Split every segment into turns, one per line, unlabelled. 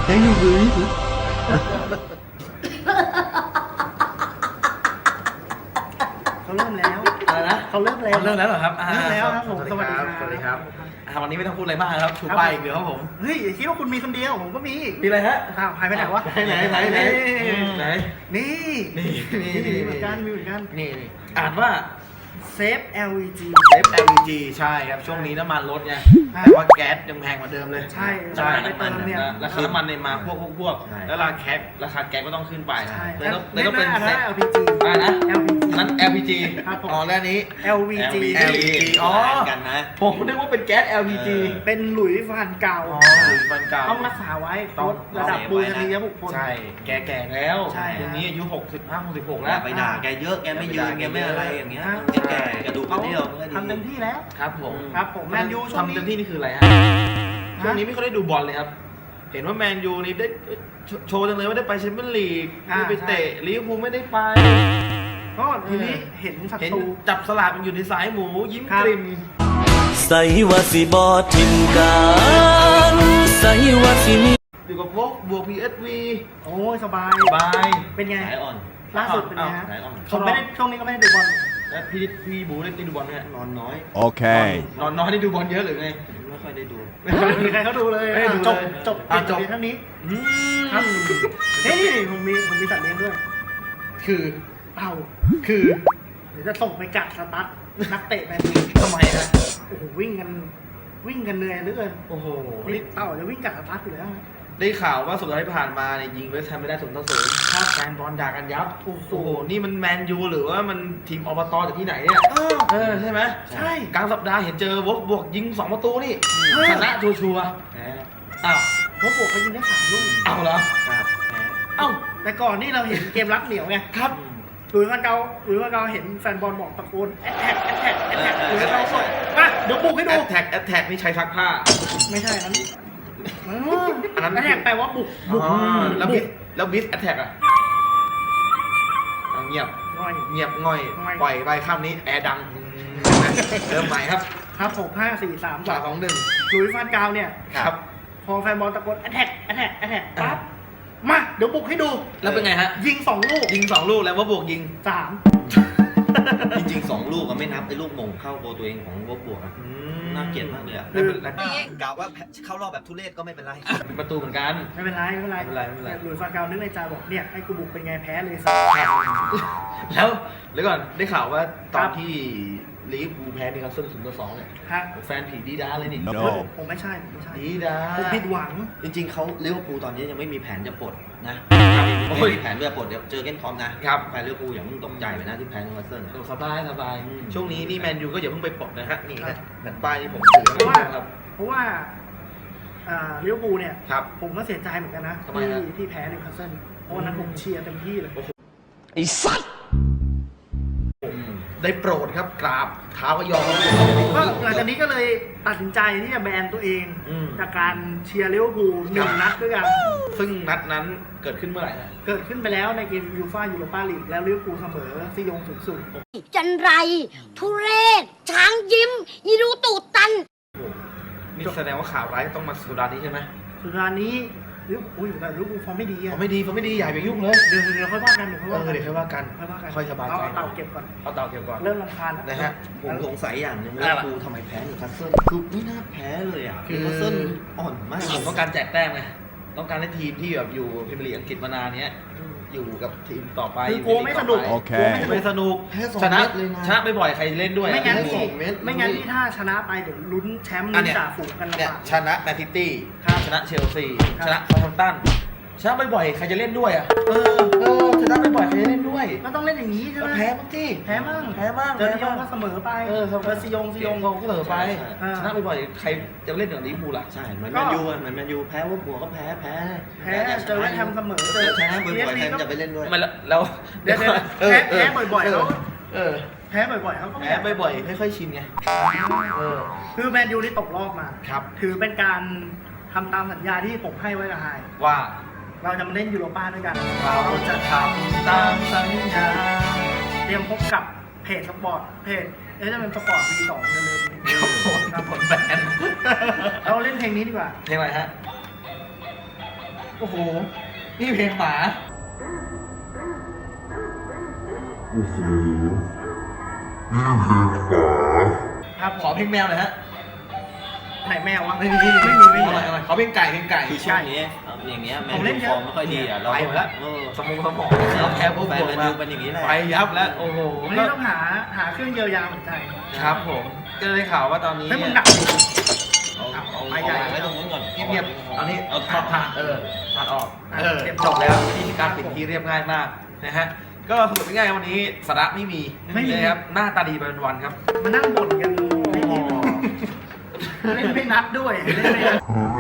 ยังอยู่มือ
เขาเริ่มแล้ว
อะไรนะ
เขาเริ่มแล้ว
เริ่มแล้วเหรอครับ
เริ่มแล้วครับผมสวัสดีครับ
สวัสดีครับวันนี้ไม่ต้องพูดอะไรมากครับชูป้ายอีกเดียวครับผม
เฮ้ยอย่าคิดว่าคุณมีคนเดียวผมก็มี
มีอะไรฮะ
อ้าวหายไปไหนวะ
ไหนไหน
น
ไหนี่นี่
มีเหมือนกันมีเหมือนกัน
นี่อ่านว่า
เซฟ LVG
เซฟ LPG ใช่ครับช่วงนี้น้ำมันลดไงแต่ว่าแก๊สยังแพงกว่าเดิมเลย
ใช่
ใช่
ไปเติมเนี่ย
ราคาน้ำมันเนี่ยมาพวกแล้วราคาแก๊สก็ต้องขึ้นไป
ใช่
เลยต้องเป็น
อัน
เซ
นั้น
ฟ
LPG
นะ
LPG
นั้น LPG
ครับผม
อ๋อแล้วนี้
LVG
LPG อ๋อ
กันนะ
ผมนึกว่าเป็นแก๊ส LPG
เป็นหลุยส์ฟันเก่า
อ๋อหรือฟันเก่า
ต้องรักษาไว้
ต้อง
ลดระดับบูชนียบุคคล
ใช่แก่แล้ว
ใช่
ตรงนี้อายุ65 66
แล้
แล้ว ว
ไปด่าแกเยอะแกไม่ยืนแกไม่อะไรอย่างเงี้ยแกกระดูกกระเดี่ยวมันก็ดี
ทำเต็มที่แล้ว
ครับผม
ครับผมแมนยูช่วง
ทำ
นี้
เต็มที่นี่คืออะไรฮะช่วงนี้ไม่ค่อยได้ดูบอลเลยครับ เห็นว่าแมนยูนี่ได้โชว์จังเลยว่าได้ไปแชมเปี้ยนลีกได้ไปเตะลิเวอร์พูลไม่ได้ไป
ก็ทีนี้เห็นศั
เห็น
ตรู
จับสลากมันอยู่ในสายหมูยิ้ม
ครับ
กริม
ใส่ว่าสิบอทิมกันใส่ว่าสิมี
อยู่กับพวกบวก PSV
โอ้ยสบาย
บาย
เป็นไง
สายอ่อน
ล่าสุดเป็นไงฮะ
สายอ่อน
ผมไม่ได้ช่วงนี้ก็ไม่ได้ดูบอล
แล้วพี่บูได้ดูบอลไหมฮะ
นอนน้อย
Okay.
นอนน้อยได้ดูบอลเยอะหรือไง
ไม่ค่อยได้ดู
ไม่มีใครเขาดูเลย
ไม่ได้ดู
จบ
เลย
จบ
อ่ะจบ
เพียงเท่านี้
อืม
ครับเฮ้ยผมมีสัตว์เลี้ยงด้วย
คือ
เต่า
คือ
เดี๋ยวจะส่งไปกัดสตั๊ดนักเตะแมนยู
ทำไมฮะ
โอ้โหวิ่งกันเหนื่อยเหลือเกิน
โอ้โห
นี่เต่าจะวิ่งกัดสตั๊ดอยู่แล้ว
ได้ข่าวว่าสุดท้ายที่ผ่านมาเนี่ยยิงเวสต์แฮมไม่ได้0-0ครับแฟนบอลด่ากันยับ โอ้โห นี่มันแมนยูหรือว่ามันทีมอบตจากที่ไหนเนี่ย ใช่ไหม
ใช่
กลางสัปดาห์เห็นเจอวอลบวกยิง2 ประตูนี่
เออ
ชนะชัวร์
แพ้
ๆอ้าว
เพราะบวกเขายิงได้3 ลูก
เอาเหรอ
ครับแพ้
เอ้า
แต่ก่อนนี่เราเห็นเกมรักเหนียวไง
ครับ
หรือว่าเราเห็นแฟนบอลบอกตะโกนแอตแทกหรือเราส่งมาเดี๋ยวบุกให้
แอ
ดู
ตแทกนี่ใช้ซักผ้า
ไม่ใช่นั้นอันนั้น
อันนั้น
แอตแทกแปลว่าบุก
อ๋อแล้วบิสแอตแทกอ่ะเอาเงียบ
ง่อย
เงียบง่อย
ง่อย
ปล่อยไปข้ามนี้แอร์ดังเริ่มใหม่ครับ
ครับ6 5 4 3
3 2 1
หลุยส์ฟานกาวเนี่ย
ครับ
พอแฟนบอลตะโกนแอตแทกปั๊บมาเดี๋ยวบุกให้ดู
แล้วเป็นไงฮะ
ยิง2 ลูก
ยิง2 ลูกแล้วว่าบวกยิง
3
จริงๆ2 ลูกก็ไม่นับไอ้ลูกมงเข้าโกตัวเองของวบวกอะน่าเกลียดมากเลยอะ
ไม่เป็นไร
กล่าวว่าเข้ารอบแบบทุเรศก็ไม่เป็นไร
เป็นประตูเหมือนกัน
ไม่เป็นไร
ไม่เป็นไร
หลุยส์ฟานกาวนึกในใจบอกเนี่ยให้กูบุกเป็นไงแพ้เลย
แล้วก่อนได้ข่าวว่าตอ
ครั
น
บ
ที่ลิเวอร์พูลแพ้นิวคาสเซิล0-2เนี่ย
ฮะ
แฟนผีดีด้าเลยนี่
No
ผมไม่ใช่
ดีด้า
ผมผิดหวัง
จริงๆเขาลิเวอร์พูลตอนนี้ยังไม่มีแผนจะปลดนะ
โอ้
ไม่
ย
มีแผนจะปลดเดี๋ยวเจอเกนคอมนะครับ แฟนลิเวอร์พูลอย่าเพิ่งตกใจไปนะที่แพ้นิวคาสเซิลอะ
สบายสบาย
อืม
ช่วงนี้นี่แมนยูก็อย่าเพิ่งไปปลดนะฮะนี่
ครั
นะ
บ
แผ่นป้ายที่ผมถือ
เพราะว่า
ครับ
เพราะว่าลิเวอร์พูลเนี่ย
ครับ
ผมก็เสียใจเหมือนกันนะ
ทำไมฮะ
ที่แพ้นิวคาสเซิลเพราะวันนั้นผมเชียร์เต็มที่เลย
ไอ้สัตว์
ได้โปรดครับกราบเท้าก็ยอม
ก็หลังจากนี้ก็เลยตัดสินใจที่จะแบนตัวเอง
อืม
จากการเชียร์ลิเวอร์พูล1 นัดด้วยกัน
ซึ่งนัดนั้นเกิดขึ้นเมื่อไหร่ฮะ
เกิดขึ้นไปแล้วในเกมยูฟ่ายูโรปาลีกแล้วลิเวอร์พูลเสมอซียง0-0
จันไร ทุเรศ ช้างยิ้ม ยีรูตูดตัน
นี่แสดงว่าข่าวร้ายต้องมาสุดานี้ใช่ไหม
สุดท้ายนี้ลิเวอร์พูลแต่ลิเวอร์พูลฟอร์มไม่ดีอะ
เขาไม่ดีอย่าไปยุ่งเลย
เดี๋ยวค่อยว่ากันเดี๋ยวค่อยว่ากัน
เดี๋ยวค่อยว่ากัน
ค่อยว่ากัน
ค่อยสบายใจ
เอาเต่าเก็บก่อน
เอาเต่าเก็บก่อน
เริ่มรำคาญแล้ว
นะฮะ
ผมสงสัยอย่างหนึง
อะไร
ลิเวอ
ล่ะ
ร์พูลทำไมแพ้นิวคาสเซิลคือไม่น่าแพ้เลยอ่ะ
คือ
นิวคาสเซิลอ่อนมาก
ผมต้องการแจกแต้มไงต้องการให้ทีมที่แบบอยู่พรีเมียร์ลีกอังกฤษมานานเนี้ยอยู่กับทีมต่อไป
คือกลัวไม่สนุก
โอเค
ไม่สนุก
แพ้2
ชนะ
เม็ดเลยนะ
ชนะไปบ่อยใครเล่นด้วย
ไม่งั้น
อะ
ที่
2 เม็ด
ไม่งั้นที่ถ้าชนะไปเดี๋ยวลุ้นแชมป์
อั
ลุ้
น
น
เนี้ย
จ่าฝูงกันลำ
เนี่ย
บาก
ชนะแมนซิตี้
ครับ
ชนะเชลซี
ครับ
ชนะซาท์แฮมป์ตันชนะบ่อยๆใครจะเล่นด้วยอ่ะชนะบ่อยๆใครจะเล่นด้วย
ก็ต้องเล่นอย่างนี้ใช่ไห
ก็
ม
แพ้บ้างที่
แพ้มั่ง
แพ้บ้าง
เจอซียงก็เสมอไป ซียง
เขาก็เสมอไป
ใช่
ชนะบ่อยๆใครจะเล่นอย่างลิเวอร์พูลล่ะ
ใช่เหมือนแมนยูอะเหมือนแมนยูแพ้ว่าบวกก็แพ้
แพ้เจอเวสต์แฮมเสมอ
เจอชนะบ่อยๆใครมันจะไปเล่นด้วย
ไม่แล้ว
เดี๋ยวแพ้บ่อยๆแล้ว
เออ
แพ้บ่อยๆเขาก็
แพ้บ่อยๆค่อยๆชินไงเออ
คือแมนยูนี่ตกรอบมา
ครับ
ถือเป็นการทำตามสัญญาที่ผมให้ไว้กับไฮ
ว่า
เราจะมาเล่นยูโรป้าด้วยกัน
เราจะทำตามสัญญา
เตรียมพบกับเพจสปอร์ตจะเป็นสปอร์ต V2 เร็วๆนี้
ครับผมผลแบน
เราเล่นเพลงนี้ดีกว่า
เพลงอะไรฮะโอ้โห นี่เพลงหมา
ครับ
ขอเพลงแมวหน่อยฮะ
ไหนแมววะ
ไม่มี
ไม่มี
ขอเพลงไก่เพลงไก่
คือช่วงนี้อย่างเงี้ยแมน
ผมเล่
ยู
นเย
ฟ
อะ
อร์มไม่ค่อยดีอ่ะเรา
ไปหมดแล้ว
เออ
สมองเราแพ้พวก
แฟน
ผม
แมน
มา
ยูเป็นอย่างนี้แหละ
ไปยับแล้ว โอ้โห
วันนี้ต้องหาเครื่องเยียวยาหัวใจ
ครับผม ก็ได้ข่าวว่าตอนนี้
ให้มึงหนัก
เอา
ไปใหญ่
ไว้ตรงนู้นก่อน
เงียบๆตอนนี้เอาผ่านผ่านออก
อ่ะ
เรียบจบแล้ววิธีการปิดที่เรียบง่ายมากนะฮะ ก็สรุปง่ายๆวันนี้สาระไม่มีนะครับ หน้าตาดีไปวันๆครับ
มานั่งบ่นกันไม่มีเล่นไม่นัดด้วยเล่นไม่นัด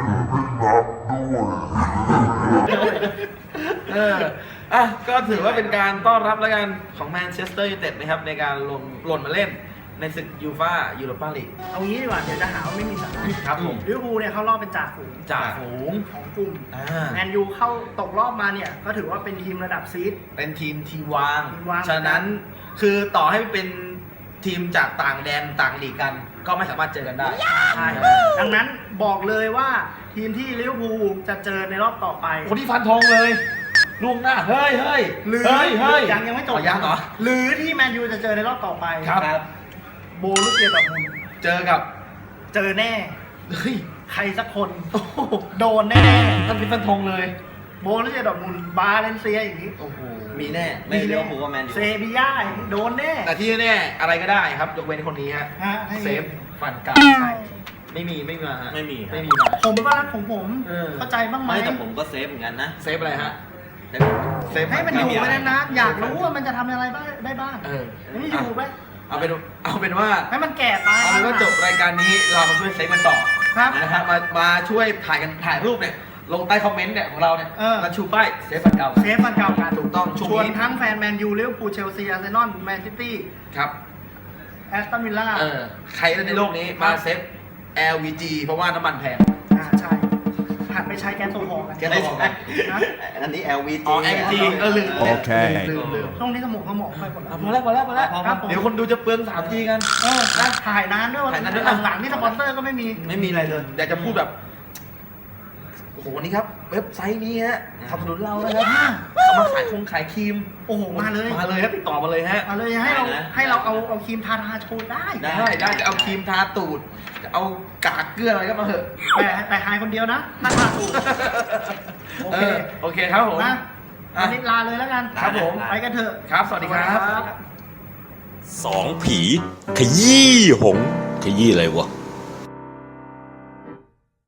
ก็ถือว่าเป็นการต้อนรับแล้วกันของแมนเชสเตอร์ยูไนเต็ดนะครับในการหล่นมาเล่นในศึกยูฟ่ายูโรปาลีก
เอางี้ดีกว่าเดี๋ยวจะหาว่าไม่มีสาระ
ครับผม
ลิเวอร์พูลเนี่ยเข้ารอบเป็นจ่าฝูง
จ่าฝูง
ของกลุ่ม
อ่า
แมนยูเข้าตกรอบมาเนี่ยก็ถือว่าเป็นทีมระดับซีด
เป็นทีมทีวาง
ทีมวาง
ฉะนั้นคือต่อให้เป็นทีมจากต่างแดนต่างลีกกัน ก็ไม่สามารถเจอกันได้
ใช่ดังนั้นบอกเลยว่าทีมที่ลิเวอร์พูลจะเจอในรอบต่อไป
คนที่ฟันธงเลยล่วงหน้า เฮ้ย
หรือ
เฮ้ย
ยังไม่จบ
ยังเหรอ
หรือที่แมนยูจะเจอในรอบต่อไป
ครับ
โบลูเซียดอร์ทมุนด์
เจอกับ
เจอแน่
เฮ้ย
ใครสักคน
โอ้โห
โดนแน่
ท่านเป็นฟันธงเลย
ๆโบลูเซียดอร์ทมุนด์บาเลนเซียอย่างนี้
โอ้โห
มีแน่ไม่เลี้ยวผูว่าแมนยู
เซบีย่าอย่างนี้โดนแน่
แต่ที่แน่ๆอะไรก็ได้ครับยกเว้นคนนี้ฮะ
ฮะให้
เซฟฟันกา
ใช่
ไม่มีมาฮะ
ไม่มีครับ
ไม่มีมา
ผมก็รักของผม
เออ
เข้าใจบ้างไหม
ไม่แต่ผมก็เซฟเหมือนกันนะ
เซฟอะไรฮะเซฟ
ให้มันอยู่ไปนานๆอยากรู้ว่ามันจะทำอะไรบ้างได้บ้าง
เออ
ไม่อยู่ไป
เอาเป็นว่า
ให้มันแก่ตาย
เอาเป็นว่าจบรายการนี้เรามาช่วยเซฟกันต่อ
ครับ
นะครับมาช่วยถ่ายรูปเนี่ยลงใต้คอมเมนต์เนี่ยของเราเนี่ย
เออ
มาชูป้ายเซฟฟันเก่า
เซฟมันเก่ากัน
ถูกต้องช่วง
ชวน
นี้
ทั้งแฟนแมนยูลิเวอร์พูลเชลซีอาร์เซนอลแมนซิตี้
ครับ
แอสตันวิลล่า
ใครในโลกนี้มาเซฟ LVG เพราะว่าน้ำมันแพง
ใช่หันไปใช้แก๊สโซฮอล์กัน
แก๊สโซฮอล์
นะ
อันนี้ LVG
อ๋อ LVG ลืม
โอเค
ลืม
ช่วงนี้สมองค่อยหมด
พอแล้ว
ครับผม
เดี๋ยวคนดูจะเปลือง 3G กัน
นะถ่ายนานด้วย
ถ่ายนานด้วย
หลังๆนี่สปอนเซอร์ก็ไม่มี
ไม่มีอะไรเลยอยากจะพูดแบบโอ้โหนี่ครับเว็บไซต์นี้ฮะสนับสนุนเรานะครับเอามาขายขายครีม
โอ้โหมาเลย
ครับติดต่อมาเลยฮะ
มาเลยให้เราเอาครีมทาโชว์ได้
ได้จะเอาครีมทาตูดจะเอากากเกลืออะไรก็มาเถอะ
แต่หายคนเดียวนะถ้าทาถูกโอเค
โอเคครับผม
นะวันนี้ลาเลยแล้วกัน
ครับผม
ไปกันเถอะ
ครับ สวัสดีครับ
สองผี ขยี้หงส์ขยี้อะไรวะ